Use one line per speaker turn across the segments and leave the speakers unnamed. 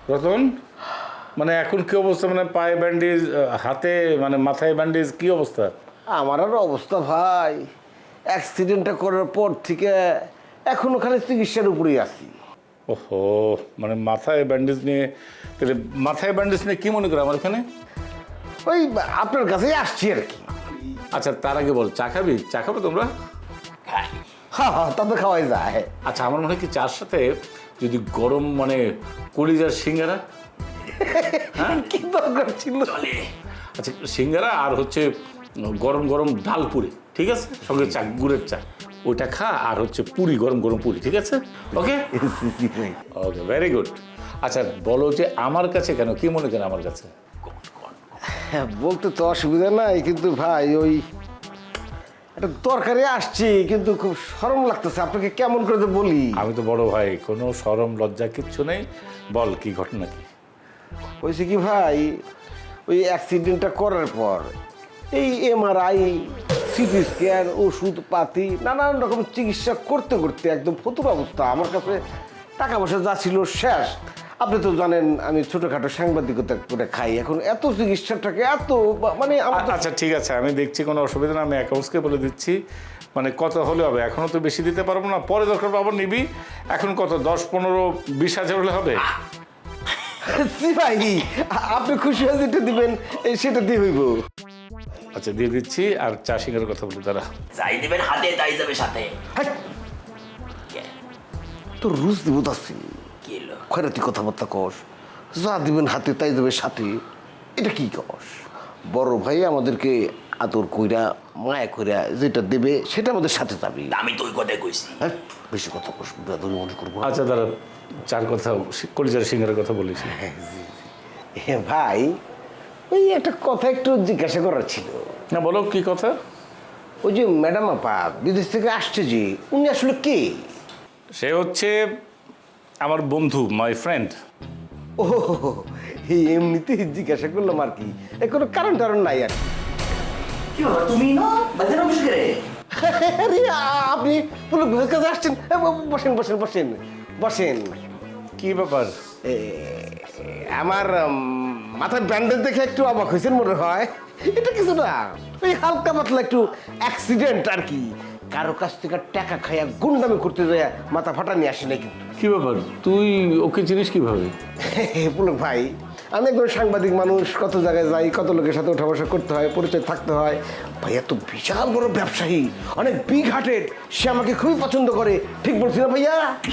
রতন, মানে এখন কি অবস্থা? মানে পায়ে ব্যান্ডেজ, হাতে মানে মাথায় ব্যান্ডেজ, কি অবস্থা?
আমার আর অবস্থা ভাই, অ্যাক্সিডেন্টটা করার পর থেকে এখনো খালি চিকিৎসার উপরেই আছি।
ওহো, মানে মাথায় ব্যান্ডেজ নিয়ে, তাহলে মাথায় ব্যান্ডেজ নিয়ে কি মনে করে আমার এখানে?
ওই আপনার কাছেই আসছি আর কি।
আচ্ছা, তার আগে বল, চা খাবি? চা খাবে তোমরা?
হ্যাঁ হ্যাঁ, তা তো খাওয়াই যায়।
আচ্ছা, আমার মনে হয় কি চার সাথে যদি গরম মানে কলিজার সিঙ্গারা। হ্যাঁ,
কি দরকার ছিল?
আচ্ছা, সিঙ্গারা আর হচ্ছে গরম গরম ডাল পুরি, ঠিক আছে, সঙ্গে চা, গুড়ের চা, ওইটা খা। আর হচ্ছে পুরি, গরম গরম পুরি, ঠিক আছে? Okay okay, very good. আচ্ছা বলো যে আমার কাছে কেন, কি মনে করেন আমার কাছে?
হ্যাঁ, বলতে তো অসুবিধা নাই, কিন্তু ভাই ওই একটা দরকারে আসছি, কিন্তু খুব শরম লাগতেছে। আপনাকে কেমন করে তো বলি।
আমি তো বড় ভাই, কোনো শরম লজ্জা কিচ্ছু নেই, বল কি ঘটনা কি?
হয়েছে কি ভাই, ওই অ্যাক্সিডেন্টটা করার পর এই এমআরআই, সিটি স্ক্যান, ওষুধ পাতি, নানান রকম চিকিৎসা করতে করতে একদম ফতুর অবস্থা। আমার কাছে টাকা পয়সা যা ছিল শেষ। আপনি তো জানেন আমি ছোটোখাটো সাংবাদিকতা করে খাই। এখন এত চিকিৎসাটাকে এত মানে আমার তো-
আচ্ছা ঠিক আছে, আমি দেখছি কোনো অসুবিধা না, আমি অ্যাকাউন্টসকে বলে দিচ্ছি। মানে কত হলে হবে? এখনও তো বেশি দিতে পারবো না, পরে দরকার আবার নিবি। এখন কত, 10, 15, 20 হাজার হলে হবে?
জি ভাই, আপনি খুশি হয়ে যেটা দিবেন সেটা দিয়ে হইব।
আচ্ছা দিয়ে দিচ্ছি। আর চা সিঙ্গারের কথা বলি তারা।
যাই দিবেন হাতে তাই যাবে সাথে।
হ্যাঁ, তোর রুজ দিব তাছি
কি হলো?
খয়রাতি কথাবার্তা কস, যা দিবেন হাতে তাই দেবে সাথে, এটা কি কস? বড় ভাই আমাদেরকে আদর কইরা মায়া কইরা যেটা দেবে সেটা আমাদের সাথে যাবে।
আমি তো ওই কথাই কইছি।
হ্যাঁ, বেশি কথা কস, বেদবি মনে করবো না।
আচ্ছা দাঁড়া, চার কথা, কলিজার সিঙ্গারের কথা বলিস।
হ্যাঁ ভাই, ওই একটা কথা একটু জিজ্ঞাসা করার ছিল।
না বলো, কি কথা?
ওই যে ম্যাডাম আপা বিদেশ থেকে আসছে, যে উনি আসলে কে?
সে হচ্ছে আমার বন্ধু, মাই ফ্রেন্ড।
ও, এই এমনিতে জিজ্ঞাসা করলাম আর কি, এ কোনো কারণ টারণ নাই আর কি।
কি হলো তুমি না বাজার অফিস করে?
আরে, আপনি পুরো ঘরের কাছে আসছেন? বসেন বসেন বসেন বসেন।
কি ব্যাপার?
এ, আমার মাথার ব্যান্ডেজ দেখে একটু অবাক হয়েছেন মনে হয়। এটা কিছু না, ওই হালকা পাতলা একটু অ্যাক্সিডেন্ট আর কি। কারো কাছ থেকে টাকা খাইয়া গুন্ডামি করতে যায় মাথা ফাটা নিয়ে আসে নাই কিন্তু।
কি ব্যাপার, তুই ওকে চিনিস কিভাবে?
পুলক ভাই, আমি একজন সাংবাদিক মানুষ, কত জায়গায় যাই, কত লোকের সাথে ওঠা বসা করতে হয়, পরিচয় থাকতে হয়। ভাই এত বিশাল বড় ব্যবসায়ী, অনেক বিগ হার্টেড, সে আমাকে খুবই পছন্দ করে। ঠিক বলছি না ভাইয়া?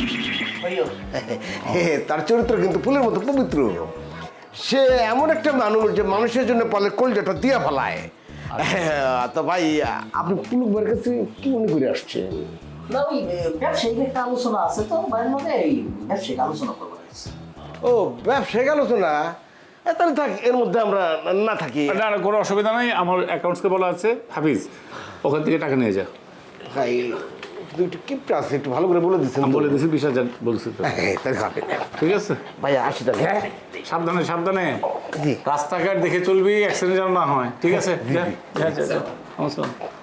তার চরিত্র কিন্তু ফুলের মতো পবিত্র। সে এমন একটা মানুষ যে মানুষের জন্য পালে কলজাটা দিয়া ফেলায়। তো ভাই, আপনি পুলক ভাইয়ের কাছে কি মনে করে আসছেন?
না ওই ব্যবসায়িক একটা আলোচনা আছে তো বাইরের মধ্যে, এই ব্যবসায়িক আলোচনা করবো।
ও, ব্যবসায়িক আলোচনা? তাহলে থাক, এর মধ্যে আমরা না থাকি।
না না, কোনো অসুবিধা নাই, আমার অ্যাকাউন্টসকে বলা আছে, হাফিজ ওখান থেকে টাকা নিয়ে যা।
ভাই একটু কিপটা আছে, একটু ভালো করে বলে দিচ্ছেন।
আমি বলে দিছি 20,000 বলছি তো,
হ্যাঁ, তাই হবে।
ঠিক আছে?
ভাই আসি তাহলে। হ্যাঁ,
সাবধানে সাবধানে,
জি।
রাস্তাঘাট দেখে চলবি, অ্যাক্সিডেন্ট যেন না হয়, ঠিক আছে? যা যা যা, যা। নমস্কার।